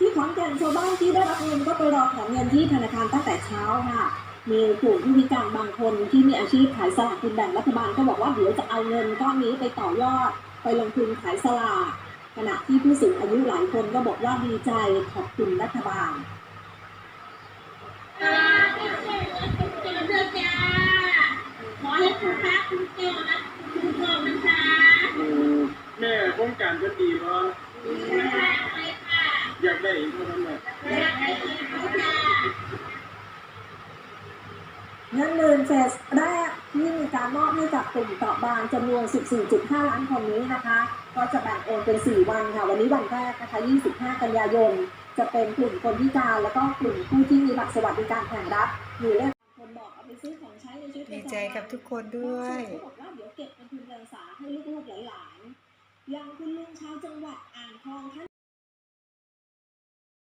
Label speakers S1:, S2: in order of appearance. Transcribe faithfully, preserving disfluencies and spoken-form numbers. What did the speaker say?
S1: ที่ขอนแก่นชาวบ้านที่ได้รับเงินก็ไปรอถอนเงินที่ธนาคารตั้งแต่เช้าค่ะมีกลุ่มผู้พิการบางคนที่มีอาชีพขายสลากกินแบ่งรัฐบาลก็บอกว่าเดี๋ยวจะเอาเงินก้อนนี้ไปต่อยอดไปลงทุนขายสลากขณะที่ผู้สูงอายุหลายคนก็บอกว่าดีใจขอบคุณรัฐบาล
S2: ขอให้คุณพระคุณเจ้านะคุณพ่อมันค่ะ
S3: แม่โครงการก็ดีเนาะอยากได้อีกเท่านั้นแหละ
S2: อยากได้อีกค่ะ
S1: เงินหมื่นเฟสแรกที่มีการมอบให้กับกลุ่มเปราะบางจำนวน สิบสี่จุดห้า ล้านคนนี้นะคะก็จะแบ่งโอนเป็นสี่วันค่ะวันนี้วันแรกนะคะยี่สิบห้ากันยายนจะเป็นกลุ่มคนพิการแล้วก็กลุ่มผู้ที่มีบัตรสวัสดิการแห่งรัฐมีเลขคนบอกเอาไปซื้อของใช้ในชีวิต
S4: ดีใจกับทุกคนด้วย
S1: เขาบอกว่าเดี๋ยวเก็บเป็นทุนการศึกษาให้ลูกๆหลานๆอย่างคุณลุงชาวจังหวัดอ่างทองท่าน